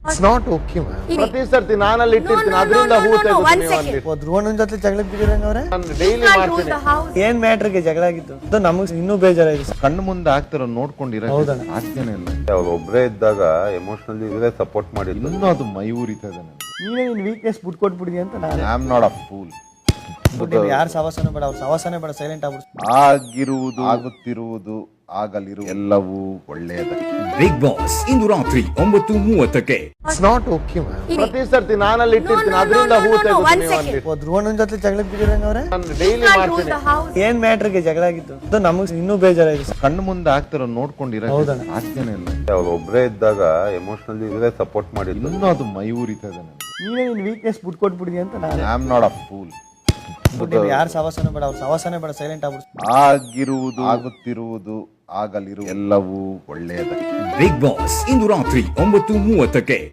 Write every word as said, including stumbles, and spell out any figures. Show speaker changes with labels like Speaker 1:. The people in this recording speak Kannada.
Speaker 1: It's not okay, man.
Speaker 2: ಪ್ರತಿ ಸರ್ತಿ ನಾನಲ್ಲಿ ಇಟ್ಟಿರ್ತೀನಿ ಅದರಿಂದ ಹೂ ತೆಗೆದು
Speaker 3: ಧ್ರುವನ ಜೊತೆ ಜಗಳ ಬಿದ್ದಿರಂಗ ಅವ್ರೆ
Speaker 2: ನಾನು ಡೈಲಿ ಮಾಡ್ತೀನಿ.
Speaker 3: ಏನ್ ಮ್ಯಾಟ್ರಿಗೆ ಜಗಳ ಆಗಿತ್ತು ಅದು ನಮಗ್ ಇನ್ನೂ ಬೇಜಾರಾಗಿದೆ.
Speaker 1: ಕಣ್ಣು ಮುಂದೆ ಆಗ್ತಿರೋ ನೋಡ್ಕೊಂಡಿರೋ ಸಾಧ್ಯನೇ ಇಲ್ಲ.
Speaker 4: ಅವ್ರು ಒಬ್ಬರೇ ಇದ್ದಾಗ ಎಮೋಷನಲಿ ಇವರೇ ಸಪೋರ್ಟ್ ಮಾಡಿದ್ರು.
Speaker 1: ಇನ್ನೂ ಅದು ಮೈ ಉರಿತದೆ ನನಗೆ.
Speaker 3: ನೀನೇ ನಿನ್ ವೀಕ್ನೆಸ್ ಬಿಟ್ಕೊಟ್ಬಿಡಿ ಅಂತ ನಾನು
Speaker 1: I am not a fool.
Speaker 3: ಯಾರು ಸವಾಸನೆ ಬೇಡ, ಅವ್ರ ಸವಾಸನೆ ಬೇಡ, ಸೈಲೆಂಟ್ ಆಗ್ಬಿಡ್ತು.
Speaker 1: ಆಗಿರುವುದು ಆಗುತ್ತಿರುವುದು ಆಗಲಿರು ಎಲ್ಲವೂ ಒಳ್ಳೆಯದ.
Speaker 5: ಬಿಗ್ ಬಾಸ್ ಇಂದು ರಾತ್ರಿ ಒಂಬತ್ತು ಮೂವತ್ತಕ್ಕೆ.
Speaker 1: It's not okay, man.
Speaker 2: ಪ್ರತಿ ಸರ್ತಿ ನಾನಲ್ಲಿ ಇಟ್ಟಿರ್ತೀನಿ ಅದರಿಂದ ಹೂ ತೆಗೆದು
Speaker 3: ಧ್ರುವನ ಜೊತೆ ಜಗಳ ಬಿದ್ದಿರಂಗ ಅವ್ರೆ
Speaker 2: ನಾನು ಡೈಲಿ ಮಾಡ್ತೀನಿ.
Speaker 3: ಏನ್ ಮ್ಯಾಟ್ರಿಗೆ ಜಗಳ ಆಗಿತ್ತು ಅದು ನಮಗ್ ಇನ್ನೂ ಬೇಜಾರಾಗಿದೆ.
Speaker 1: ಕಣ್ಣು ಮುಂದೆ ಆಗ್ತಿರೋ ನೋಡ್ಕೊಂಡಿರೋ ಸಾಧ್ಯನೇ ಇಲ್ಲ.
Speaker 4: ಅವ್ರು ಒಬ್ಬರೇ ಇದ್ದಾಗ ಎಮೋಷನಲಿ ಇವರೇ ಸಪೋರ್ಟ್ ಮಾಡಿದ್ರು.
Speaker 1: ಇನ್ನೂ ಅದು ಮೈ ಉರಿತದೆ ನನಗೆ.
Speaker 3: ನೀನೇ ನಿನ್ ವೀಕ್ನೆಸ್ ಬಿಟ್ಕೊಟ್ಬಿಡಿ ಅಂತ ನಾನು
Speaker 1: I am not a fool.
Speaker 3: ಯಾರು ಸವಾಸನೆ ಬೇಡ, ಅವ್ರ ಸವಾಸನೆ ಬೇಡ, ಸೈಲೆಂಟ್ ಆಗ್ಬಿಡ್ತು.
Speaker 1: ಆಗಿರುವುದು ಆಗುತ್ತಿರುವುದು ಆಗಲಿರು ಎಲ್ಲವೂ ಒಳ್ಳೆಯದ.
Speaker 5: ಬಿಗ್ ಬಾಸ್ ಇಂದು ರಾತ್ರಿ ಒಂಬತ್ತು ಮೂವತ್ತಕ್ಕೆ.